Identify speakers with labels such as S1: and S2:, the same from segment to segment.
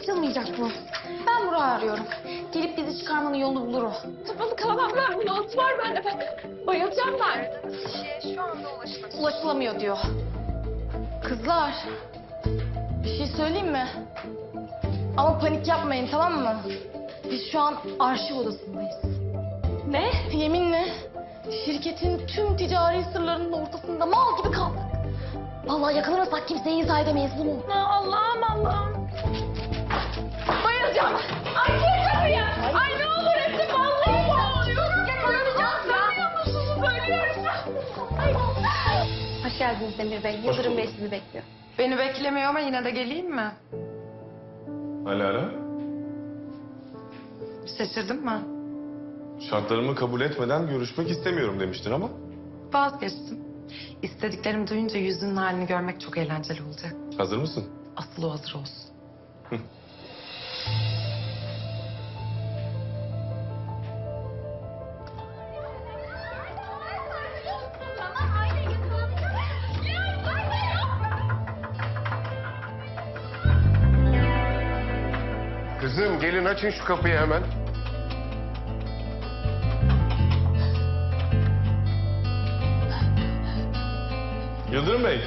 S1: açılmayacak bu. Ben Burak'ı arıyorum. Gelip bizi çıkarmanın yolunu bulur o.
S2: Kapalı kalamam ben. Not var bende. Bayılacağım ben.
S3: Aradığınız kişiye şu anda ulaşılamıyor.
S1: Ulaşılamıyor diyor. Kızlar, bir şey söyleyeyim mi? Ama panik yapmayın, tamam mı? Biz şu an arşiv odasındayız.
S2: Ne?
S1: Yeminle şirketin tüm ticari sırlarının ortasında mal gibi kaldık. Vallahi yakalanırsak kimseye izah edemeyiz bunu.
S2: Allah'ım Allah'ım. Bayılacağım. Ay gir kapıyı. Ay ne olur Esin vallahi boğuluyorum. Yakalanacağım. Sanmıyor musunuz? Ölüyorum. Ay.
S1: Hoş geldiniz Demir Bey. Yıldırım Bey sizi bekliyor.
S4: Beni beklemiyor ama yine de geleyim mi?
S5: Alara,
S4: Şaşırdın mı?
S5: şartlarımı kabul etmeden görüşmek istemiyorum demiştin ama.
S4: Vazgeçtim. İstediklerimi duyunca yüzünün halini görmek çok eğlenceli olacak.
S5: Hazır mısın?
S4: Asıl o hazır olsun.
S6: Kızım gelin açın şu kapıyı hemen.
S5: Yıldırım Bey.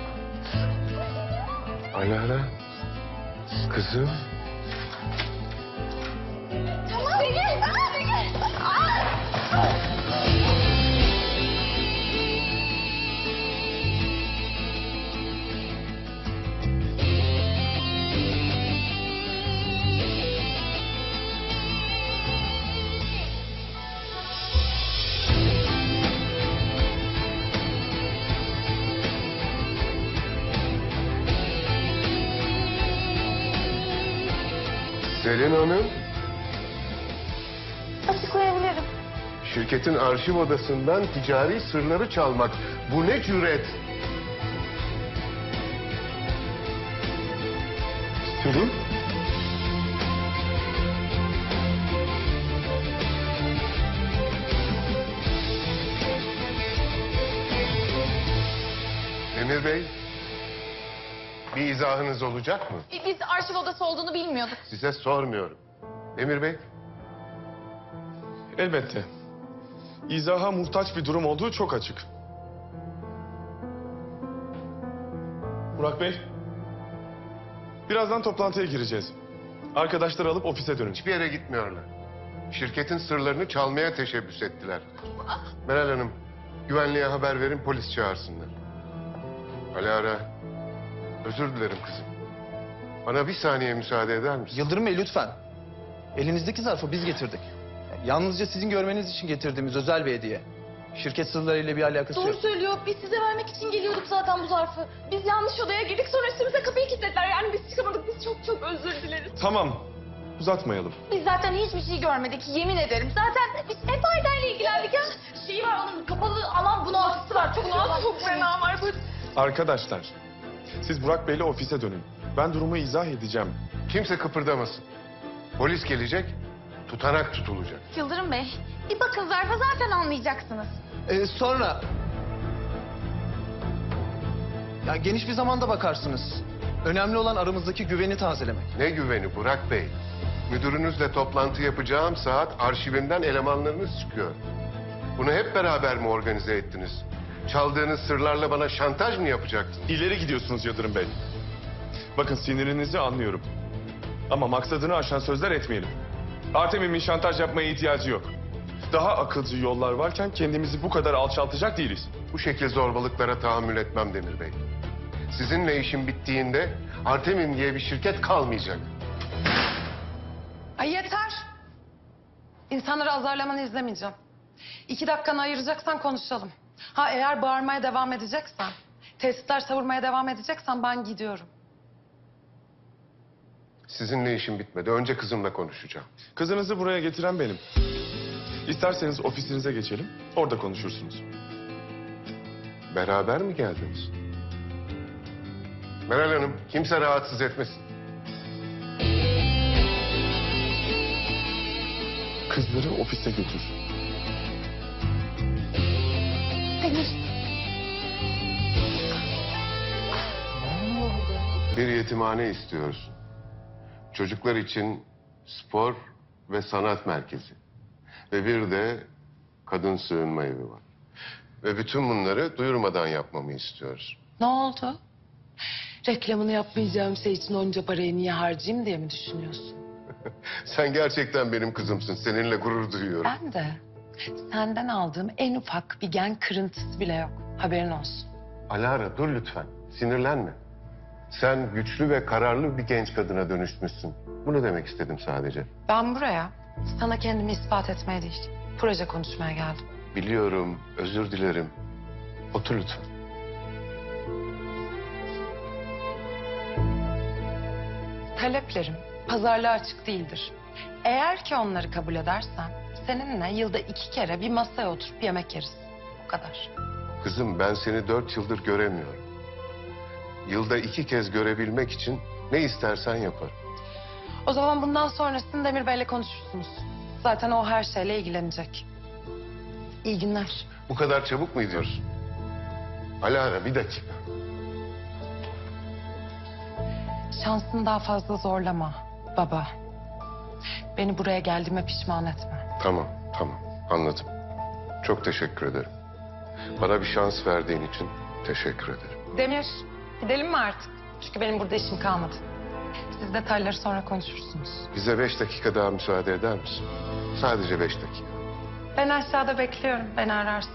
S6: Alara. Kızım. Selin Hanım,
S1: Açıklayabilirim.
S6: şirketin arşiv odasından ticari sırları çalmak. Bu ne cüret?
S5: Selin.
S6: Demir Bey, bir izahınız olacak mı?
S1: Biz arşiv odası olduğunu bilmiyorduk.
S6: Size sormuyorum. Demir Bey,
S5: Elbette. İzaha muhtaç bir durum olduğu çok açık. Burak Bey. Birazdan toplantıya gireceğiz. Arkadaşları alıp ofise dönün.
S6: hiçbir yere gitmiyorlar. Şirketin sırlarını çalmaya teşebbüs ettiler. Meral Hanım, güvenliğe haber verin, polis çağırsınlar. Alara, özür dilerim kızım. Bana bir saniye müsaade eder misin?
S7: Yıldırım Bey lütfen. Elinizdeki zarfı biz getirdik. Yalnızca sizin görmeniz için getirdiğimiz özel bir hediye. Şirket sırlarıyla bir alakası
S1: Doğru
S7: yok.
S1: söylüyor. Biz size vermek için geliyorduk zaten bu zarfı.
S2: Biz yanlış odaya girdik sonra üstümüze kapıyı kilitlediler. Yani biz çıkamadık. Biz çok çok özür dileriz.
S5: Tamam. Uzatmayalım.
S1: Biz zaten hiçbir şey görmedik. Yemin ederim. Zaten biz hep Ayder'le ilgilendik ya. Şeyi var onun kapalı alan bunaltısı var. Çok
S2: Çok fena var. Bu
S5: Arkadaşlar, siz Burak Bey'le ofise dönün. Ben durumu izah edeceğim.
S6: Kimse kıpırdamasın. Polis gelecek, tutanak tutulacak.
S1: Yıldırım Bey, bir bakın zarfa zaten anlayacaksınız.
S7: Sonra... Ya geniş bir zamanda bakarsınız. Önemli olan aramızdaki güveni tazelemek.
S6: Ne güveni Burak Bey? Müdürünüzle toplantı yapacağım saat arşivimden elemanlarınız çıkıyor. Bunu hep beraber mi organize ettiniz? Çaldığınız sırlarla bana şantaj mı yapacaktınız?
S5: İleri gidiyorsunuz Yıldırım Bey. Bakın sinirinizi anlıyorum. Ama maksadını aşan sözler etmeyelim. Artemim'in şantaj yapmaya ihtiyacı yok. Daha akılcı yollar varken kendimizi bu kadar alçaltacak değiliz.
S6: Bu şekil zorbalıklara tahammül etmem Demir Bey. Sizinle işim bittiğinde Artemim diye bir şirket kalmayacak.
S4: Ay yeter. İnsanları azarlamanı izlemeyeceğim. 2 dakikanı ayıracaksan konuşalım. Ha eğer bağırmaya devam edeceksen, tehditler savurmaya devam edeceksen ben gidiyorum.
S6: Sizinle işim bitmedi. Önce kızımla konuşacağım.
S5: Kızınızı buraya getiren benim. İsterseniz ofisinize geçelim, orada konuşursunuz.
S6: Beraber mi geldiniz? Meral Hanım, kimse rahatsız etmesin.
S5: Kızları ofise götür.
S1: Demir.
S6: Bir yetimhane istiyoruz. Çocuklar için spor ve sanat merkezi. Ve bir de kadın sığınma evi var. Ve bütün bunları duyurmadan yapmamı istiyoruz.
S4: Ne oldu? Reklamını yapmayacağım şey için onca parayı niye harcayayım diye mi düşünüyorsun?
S6: Sen gerçekten benim kızımsın. Seninle gurur duyuyorum.
S4: Ben de senden aldığım en ufak bir gen kırıntısı bile yok. Haberin olsun.
S6: Alara dur lütfen. Sinirlenme. Sen güçlü ve kararlı bir genç kadına dönüşmüşsün. Bunu demek istedim sadece.
S4: Ben buraya sana kendimi ispat etmeye değil, proje konuşmaya geldim.
S6: Biliyorum, özür dilerim. Otur lütfen.
S4: Taleplerim pazarlığa açık değildir. Eğer ki onları kabul edersen seninle yılda 2 kere bir masaya oturup yemek yeriz. O kadar.
S6: Kızım ben seni 4 yıldır göremiyorum. Yılda 2 kez görebilmek için ne istersen yaparım.
S4: O zaman bundan sonrasını Demir Bey'le konuşursunuz. Zaten o her şeyle ilgilenecek. İyi günler.
S6: Bu kadar çabuk mu gidiyorsun? Alara bir dakika.
S4: Şansını daha fazla zorlama baba. Beni buraya geldiğime pişman etme.
S6: Tamam, tamam. Anladım. Çok teşekkür ederim. Bana bir şans verdiğin için teşekkür ederim.
S4: Demir, gidelim mi artık? Çünkü benim burada işim kalmadı. Siz detayları sonra konuşursunuz.
S6: Bize 5 dakika daha müsaade eder misin? Sadece 5 dakika.
S4: Ben aşağıda bekliyorum. Beni ararsın.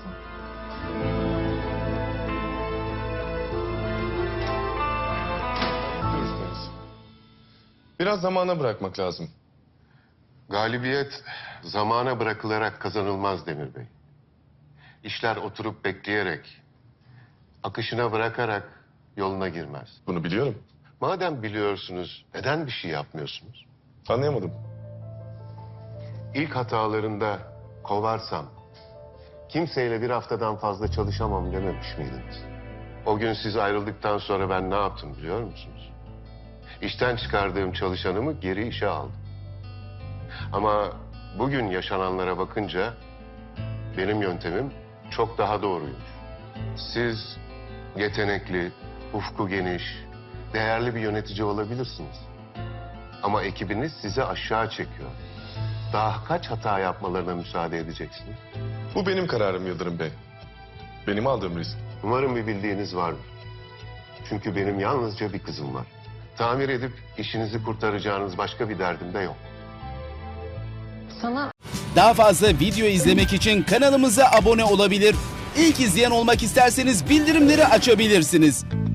S5: Biraz zamana bırakmak lazım.
S6: Galibiyet zamana bırakılarak kazanılmaz Demir Bey. İşler oturup bekleyerek, akışına bırakarak yoluna girmez.
S5: Bunu biliyorum.
S6: Madem biliyorsunuz, neden bir şey yapmıyorsunuz?
S5: Anlayamadım.
S6: İlk hatalarında kovarsam, kimseyle bir haftadan fazla çalışamam dememiş miydiniz? O gün siz ayrıldıktan sonra ben ne yaptım biliyor musunuz? İşten çıkardığım çalışanımı geri işe aldım. Ama bugün yaşananlara bakınca benim yöntemim çok daha doğruymuş. Siz yetenekli, ufku geniş, değerli bir yönetici olabilirsiniz. Ama ekibiniz sizi aşağı çekiyor. Daha kaç hata yapmalarına müsaade edeceksiniz?
S5: Bu benim kararım Yıldırım Bey. Benim aldığım risk.
S6: Umarım bir bildiğiniz vardır. Çünkü benim yalnızca bir kızım var. Tamir edip işinizi kurtaracağınız başka bir derdim de yok.
S4: Sana
S8: Daha fazla video izlemek için kanalımıza abone olabilir. İlk izleyen olmak isterseniz bildirimleri açabilirsiniz.